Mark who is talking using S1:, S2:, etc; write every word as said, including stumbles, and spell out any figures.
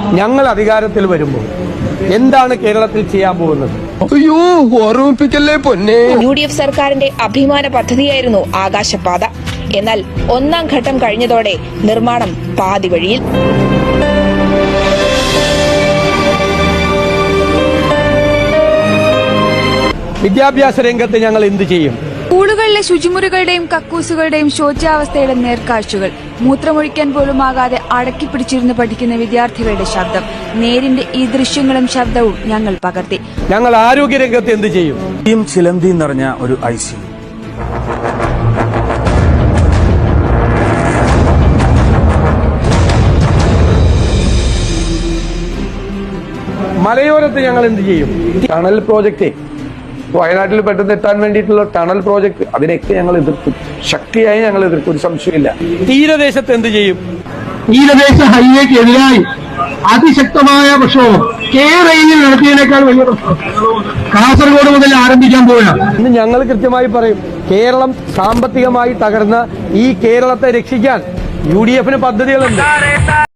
S1: ഞങ്ങൾ അധികാരത്തിൽ വരുമ്പോൾ എന്താണ് കേരളത്തിൽ ചെയ്യാൻ പോകുന്നത്?
S2: അയ്യോ, ഓർമ്മിപ്പിക്കല്ലേ പൊന്നെ.
S3: യു ഡി എഫ് സർക്കാരിന്റെ അഭിമാന പദ്ധതിയായിരുന്നു ആകാശപാത. എന്നാൽ ഒന്നാം ഘട്ടം കഴിഞ്ഞതോടെ നിർമ്മാണം പാതി വഴിയിൽ.
S1: വിദ്യാഭ്യാസ രംഗത്ത് ഞങ്ങൾ എന്ത് ചെയ്യും?
S4: സ്കൂളുകളിലെ ശുചിമുറികളുടെയും കക്കൂസുകളുടെയും ശോച്യാവസ്ഥയുടെ നേർക്കാഴ്ചകൾ, മൂത്രമൊഴിക്കാൻ പോലും ആകാതെ അടക്കി പിടിച്ചിരുന്ന് പഠിക്കുന്ന വിദ്യാർത്ഥികളുടെ ശബ്ദം, നേരിന്റെ ഈ ദൃശ്യങ്ങളും ശബ്ദവും ഞങ്ങൾ പകർത്തി.
S1: ഞങ്ങൾ ആരോഗ്യരംഗത്ത് എന്ത് ചെയ്യും?
S5: ചിലന്തി നിറഞ്ഞ ഒരു ഐ സി യു,
S1: മലയോരത്ത് ഞങ്ങൾ എന്ത് ചെയ്യും? ടണൽ പ്രോജക്റ്റ്, വയനാട്ടിൽ പെട്ടെന്ന് എത്താൻ വേണ്ടിയിട്ടുള്ള ടണൽ പ്രോജക്ട്, അതിനൊക്കെ ഞങ്ങൾ എതിർത്തു, ശക്തിയായി ഞങ്ങൾ എതിർത്തു, ഒരു സംശയമില്ല. തീരദേശത്ത് എന്ത് ചെയ്യും?
S6: തീരദേശ ഹൈവേക്ക് എതിരായി അതിശക്തമായ പ്രക്ഷോഭം കേരളയിൽ നടത്തിയതിനേക്കാൾ വലിയ പ്രശ്നം കാസർഗോഡ് മുതൽ ആരംഭിക്കാൻ പോവുകയാണ്.
S1: ഇന്ന് ഞങ്ങൾ കൃത്യമായി പറയും, കേരളം സാമ്പത്തികമായി തകർന്ന ഈ കേരളത്തെ രക്ഷിക്കാൻ യു ഡി എഫിന് പദ്ധതികളുണ്ട്.